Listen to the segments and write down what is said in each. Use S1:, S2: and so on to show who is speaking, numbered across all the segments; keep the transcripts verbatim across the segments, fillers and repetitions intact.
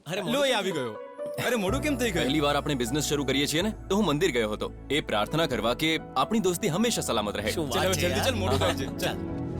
S1: અરે
S2: લો એ આવી ગયો. અરે મોડું કેમ થઈ ગયું?
S3: પહેલી વાર આપણે બિઝનેસ શરૂ કરીએ છીએ ને તો હું મંદિર ગયો હતો એ પ્રાર્થના કરવા કે આપણી દોસ્તી હંમેશા સલામત રહે.
S1: શું
S2: ચાલ
S1: વાત
S2: હવે
S1: છે
S2: જલ્દી ચાલ, મોડું થાય છે. ચાલ.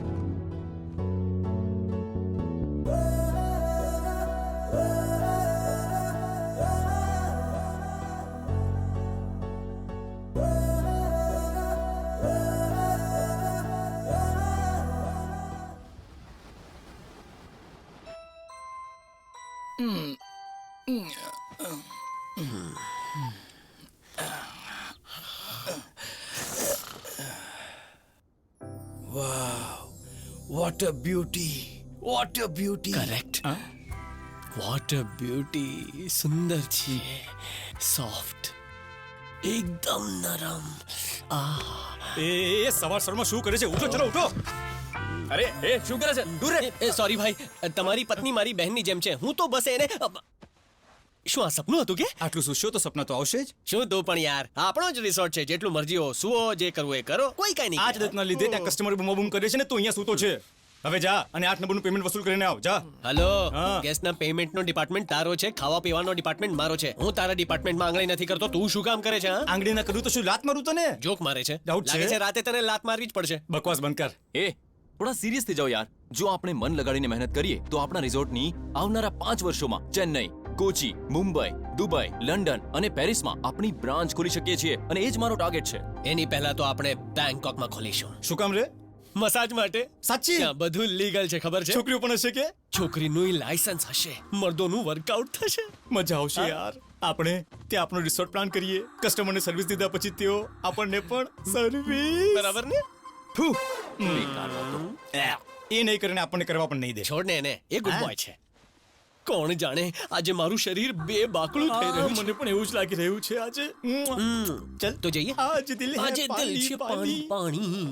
S4: What a beauty, what a beauty.
S1: Correct. What a beauty. સુંદર છે, સોફ્ટ, એકદમ નરમ.
S2: એ એ, એ સવાર સવારમાં શું કરે છે? ઉઠો, ચલો ઉઠો.
S3: અરે એ શું કરે છે? દૂર રહે.
S1: એ સોરી ભાઈ, તમારી પત્ની મારી બહેનની જેમ છે. હું તો બસ એને શું આ સપનું હતું કે
S2: આટલું સુશો તો સપના તો આવશે જ.
S1: શું તું પણ યાર, આપણો જ રિસોર્ટ છે, જેટલું મરજી હો સુવો, જે કરવું એ કરો, કોઈ કઈ નહીં.
S2: આ જ દત્તના લીધે ત્યાં કસ્ટમર બૂમા બૂમ કરે છે ને, તો અહીંયા સૂતો છે. હવે જા અને આઠ નંબરનું પેમેન્ટ વસૂલ કરીને આવ. જા.
S1: હલો,
S2: હા.
S1: ગેસના પેમેન્ટનો ડિપાર્ટમેન્ટ તારો છે, ખાવા પીવાનો ડિપાર્ટમેન્ટ મારો છે. હું તારા ડિપાર્ટમેન્ટમાં આંગળી નથી કરતો, તું શું કામ કરે છે? હા,
S2: આંગળી ના કરું તો શું લાત મારું તને?
S1: જોક મારે છે.
S2: Doubt છે?
S1: લાગે છે રાતે તને લાત મારવી જ પડશે.
S2: બકવાસ બંધ કર.
S3: એ થોડા સિરિયસ થઈ જાઓ યાર. જો આપણે મન લગાડીને મહેનત કરીએ તો આપણા રિઝોર્ટની આવનારા પાંચ વર્ષોમાં ચેન્નઈ, કોચી, મુંબઈ, દુબઈ, લંડન અને પેરિસમાં આપણી બ્રાન્ચ ખોલી શકીએ છીએ અને એ જ મારો ટાર્ગેટ છે.
S1: એની પહેલા તો આપણે બેંકોકમાં ખોલીશું.
S2: શું કામ રે?
S1: મસાજ માટે.
S2: સાચી?
S1: ત્યાં બધું લીગલ છે, ખબર છે?
S2: છોકરીઓ પણ હશે કે?
S1: છોકરીનું લાયસન્સ હશે, મર્દોનું વર્કઆઉટ થશે.
S2: મજા આવશે યાર. આપણે ત્યાં આપણો રિસોર્ટ પ્લાન કરીએ, કસ્ટમરને સર્વિસ દીધા પછી તેઓ આપણને પણ સર્વિસ.
S1: બરાબર ને?
S2: ફૂ.
S3: બેકાર વાતો.
S2: એ નહીં કરીને આપણને કરવા પણ નહીં દે.
S1: છોડ ને એને, એ ગુડ
S2: હા.
S1: બોય છે. કોણ જાણે આજે મારું શરીર બે બાકડું થઈ
S2: આ,
S1: રહ્યું છે.
S2: મને પણ એવું જ લાગી રહ્યું છે આજે.
S1: હમ.
S2: ચલ
S1: તો જઈએ.
S2: આજ દિલ હે
S1: આજે દિલ છે પાણી પાણી.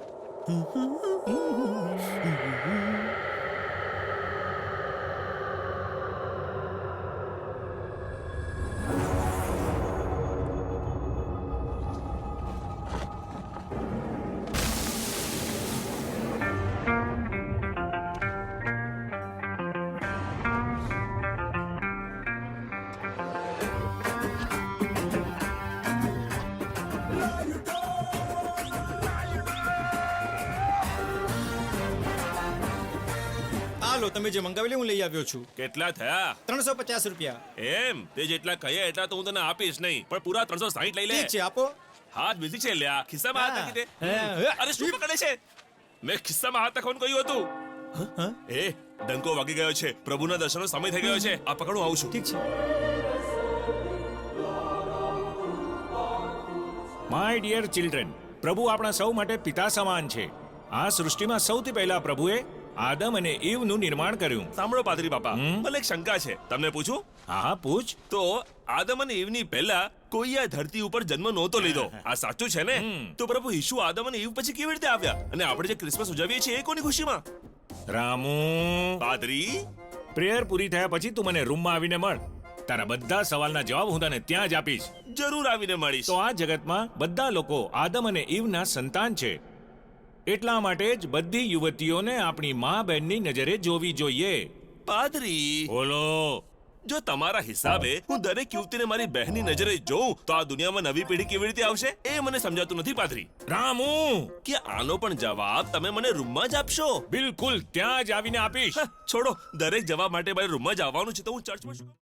S2: આ લો, તમે જે મંગાવેલી હું લઈ આવ્યો છું.
S5: કેટલા થયા?
S2: ત્રણસો પચાસ રૂપિયા.
S5: એમ તે જેટલા કહીએ એટલા તો હું તને આપીશ નહીં, પણ પૂરા ત્રણસો સાહીઠ લઈ લે.
S2: ઠીક છે, આપો.
S5: હાથ બીજી છે લ્યા, ખિસ્સામાં હાથ નાખી દે.
S2: હા.
S5: અરે શું પકડે છે? મેં ખિસ્સામાં હાથ નાખવાનું કહ્યું હતું. એ ડંકો વાગી ગયો છે, પ્રભુના દર્શનનો સમય થઈ ગયો છે. આ પકડું આવું છું.
S2: ઠીક છે.
S6: માય ડિયર ચિલ્ડ્રન, પ્રભુ આપણા સૌ માટે પિતા સમાન છે. આ સૃષ્ટિમાં સૌથી પહેલા પ્રભુએ આદમ અને ઈવનું નિર્માણ કર્યું.
S5: સાંભળો પાદરી બાપા,
S6: હમ?
S5: મને એક શંકા છે, તમને પૂછું?
S6: હા હા, પૂછ.
S5: તો આદમ અને ઈવની પહેલા કોઈ આ ધરતી ઉપર જન્મ નહોતો લીધો, આ સાચું છે ને?
S6: હમ.
S5: તો પ્રભુ ઈસુ આદમ અને ઈવ પછી કેવી રીતે આવ્યા? અને આપણે જે ક્રિસમસ ઉજવીએ છીએ એ કોની ખુશીમાં?
S6: રામુ,
S5: પાદરી,
S6: પ્રેયર પૂરી થયા પછી તું મને રૂમમાં આવીને મળ. તારા બધા સવાલના જવાબ હું તને ત્યાં જ આપીશ.
S5: જરૂર આવીને મળીશ.
S6: તો આ જગતમાં બધા લોકો આદમ અને ઈવના સંતાન છે. એટલા માટે જ બધી યુવતીઓને આપણી મા બહેનની નજરે જોવી જોઈએ.
S5: પાદરી,
S6: બોલો.
S5: જો તમારા હિસાબે હું દરેક યુવતીને મારી બહેનની નજરે જોઉં તો આ દુનિયામાં નવી પેઢી કેવી રીતે આવશે એ મને સમજાતું નથી પાદરી.
S6: રામુ,
S5: કે આનો પણ જવાબ તમે મને રૂમમાં જ આપશો?
S6: બિલકુલ ત્યાં જ આવીને આપીશ.
S5: છોડો, દરેક જવાબ માટે મારે રૂમમાં જ આવવાનું છે તો હું ચર્ચમાં શું